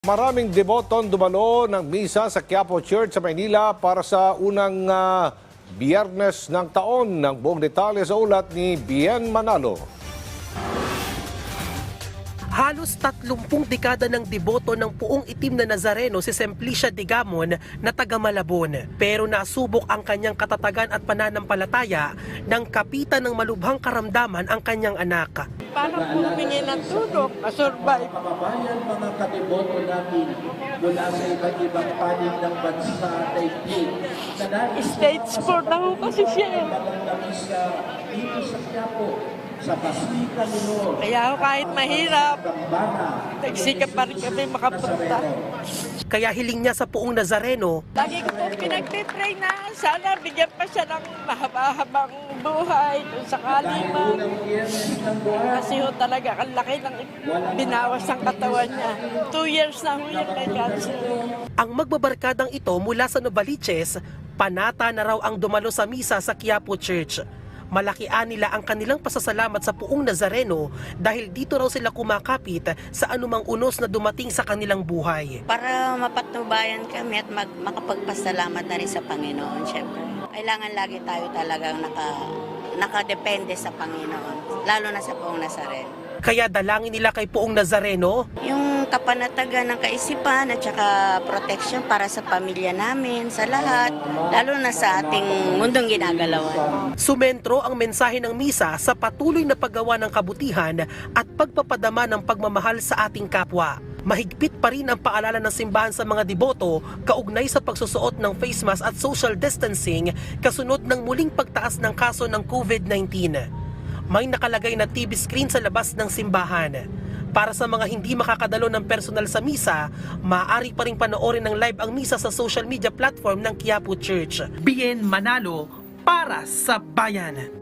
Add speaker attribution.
Speaker 1: Maraming deboton dumalo ng misa sa Quiapo Church sa Maynila para sa unang biyernes ng taon. Ng buong detalye sa ulat ni Bien Manalo.
Speaker 2: Halos 30 dekada ng deboto ng puong itim na Nazareno si Simplicia Digamon na taga Malabon. Pero nasubok ang kanyang katatagan at pananampalataya nang kapitan ng malubhang karamdaman ang kanyang anak.
Speaker 3: Para humingi ng tulong, masurvive.
Speaker 4: Kababayan, mga katiboto namin mula sa iba't ibang panig ng bansa daigdig.
Speaker 3: Stage 4 na ho kasi siya.
Speaker 4: Sa dito sa Quiapo, sa Basilica Minor,
Speaker 3: Kaya ho kahit mahirap,
Speaker 4: Gambana,
Speaker 3: nagsikap pa rin kami makapunta.
Speaker 2: Kaya hiling niya sa puong Nazareno,
Speaker 3: Lagi ko po pinagpipray na sana bigyan pa siya ng mahaba-habang buhay kung sakali man. Kasi ho talaga ang laki ng binawas ng katawan niya. 2 years na ho yung may cancer.
Speaker 2: ang magbabarkadang ito mula sa Novaliches, panata na raw ang dumalo sa misa sa Quiapo Church. Malakian nila ang kanilang pasasalamat sa puong Nazareno dahil dito raw sila kumakapit sa anumang unos na dumating sa kanilang buhay.
Speaker 5: Para mapatnubayan kami at makapagpasalamat na rin sa Panginoon, syempre. Kailangan lagi tayo talagang nakadepende sa Panginoon, lalo na sa Puong Nazareno.
Speaker 2: Kaya dalangin nila kay puong Nazareno,
Speaker 5: Yung kapanatagan ng kaisipan at saka protection para sa pamilya namin, sa lahat, lalo na sa ating mundong ginagalawan.
Speaker 2: sumentro ang mensahe ng misa sa patuloy na paggawa ng kabutihan at pagpapadama ng pagmamahal sa ating kapwa. Mahigpit pa rin ang paalala ng simbahan sa mga deboto kaugnay sa pagsusuot ng face mask at social distancing kasunod ng muling pagtaas ng kaso ng COVID-19. May nakalagay na TV screen sa labas ng simbahan. Para sa mga hindi makakadalo ng personal sa misa, maaari pa rin panoorin ng live ang misa sa social media platform ng Quiapo Church. Bien Manalo para sa bayan.